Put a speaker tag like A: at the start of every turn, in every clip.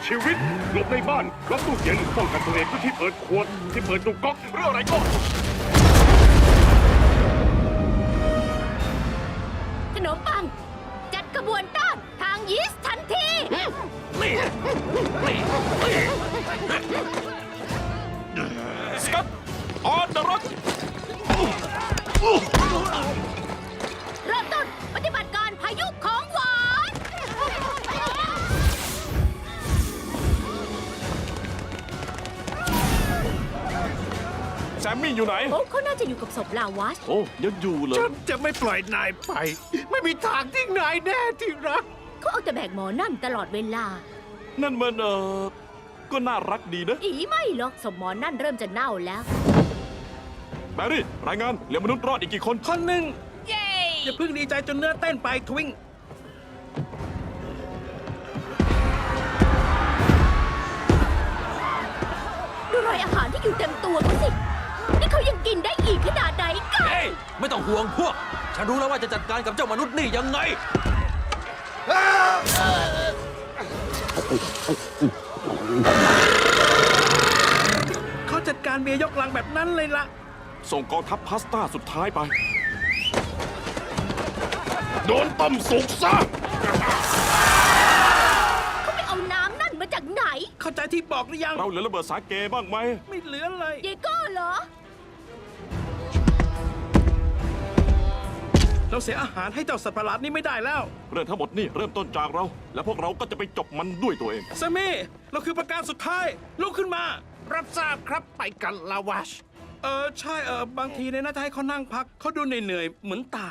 A: ชีวิตหลบในบ้านล็อกตู้เย็นป้องกันตัวเองที่เปิดขวดที่เปิดตุกก๊อกหรืออะไรก็
B: ขนมปัง จัดขบวนต้อนทางยีสต์ทันที
C: สกัดออนเดอะร็อก
B: เริ่มต้นปฏิบัติการพายุของหวาน
C: แซมมี่อยู่ไหน
B: โอ้เขาน่าจะอยู่กับศพลาวัช
C: โอ้ยังอยู่เลย
D: ฉันจะไม่ปล่อยนายไป ไม่มีทางที่นายแน่ที่รัก
B: เขาเอาแต่แบกหมอนั่นตลอดเวลา
C: นั่นมันก็น่ารักดีนะ
B: อีไม่หรอกศพหมอนั่นเริ่มจะเน่าแล้ว
C: แบรี่ รายงานเหลือมนุษย์รอดอีกกี่คน
D: คนหนึ่ง
B: เย้
D: อย่าเพิ่งดีใจจนเนื้อเต้นไปทวิง
B: ดูรอยอาหารที่อยู่เต็มตัวเขาสิ นี่เขายังกินได้อีกขนาดไหนกัน
E: เฮ้ยไม่ต้องห่วงพวก ฉันรู้แล้วว่าจะจัดการกับเจ้ามนุษย์นี่ยังไง
D: เขาจัดการเมียยกลังแบบนั้นเลยล่ะ
C: ส่งกองทัพพาสต้าสุดท้ายไป
A: โดนต้มสุกซะ
B: เขาไปเอาน้ำนั่นมาจากไหน
D: เข้าใจที่บอกหรือยัง
C: เราเหลือระเบิดสาเกบ้างไหม
D: ไม่เหลือเลย
B: เยโก้เหรอ
D: เราเสียอาหารให้เจ้าสัตว์ประหลาดนี้ไม่ได้แล้ว
C: เรื่องทั้งหมดนี่เริ่มต้นจากเรา และพวกเราก็จะไปจบมันด้วยตัวเอง
D: แซมมี่ เราคือประการสุดท้าย ลุกขึ้นมา รับทราบครับไปกันลาวัช ใช่บางทีเนี่ยน่าจะให้เขานั่งพัก เขาดูเหนื่อยๆเหมือนตาย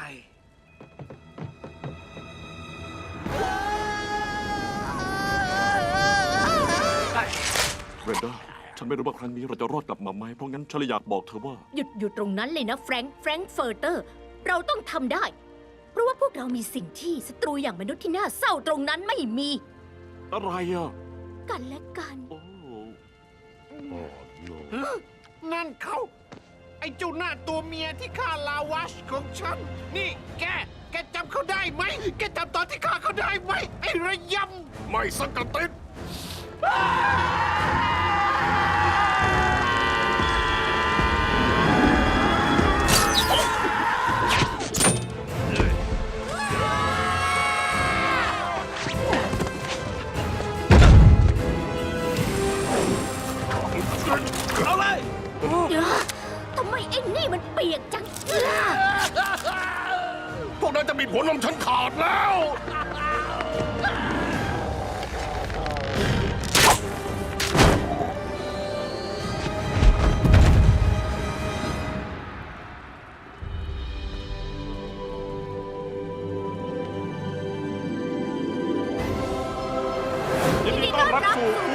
C: เรนด้า ฉันไม่รู้ว่าครั้งนี้เราจะรอดกลับมาไหม เพราะงั้นฉันเลยอยากบอกเธอว่า
B: หยุดอยู่ตรงนั้นเลยนะแฟรงค์เฟิร์เตอร์ เราต้องทำได้ เพราะว่าพวกเรามีสิ่งที่ศัตรูอย่างมนุษย์ที่น่าเศร้าตรงนั้นไม่มี
C: อะไรอ่ะ
B: กันและกัน
C: โอ้
D: นั่นเขา ไอ้เจ้าหน้าตัวเมียที่ฆ่าลาวัชของฉัน นี่แกจำเขาได้ไหม แกจำตอนที่ฆ่าเขาได้ไหม ไอ้ระยำ
A: ไม่สักกะติด
D: เอาเลย
B: ทำไมไอ้นี่มันเปียกจัง
A: พวกนั้นจะมีผลนมฉันขาดแล้ว
C: ยินดีต้อนรับสู่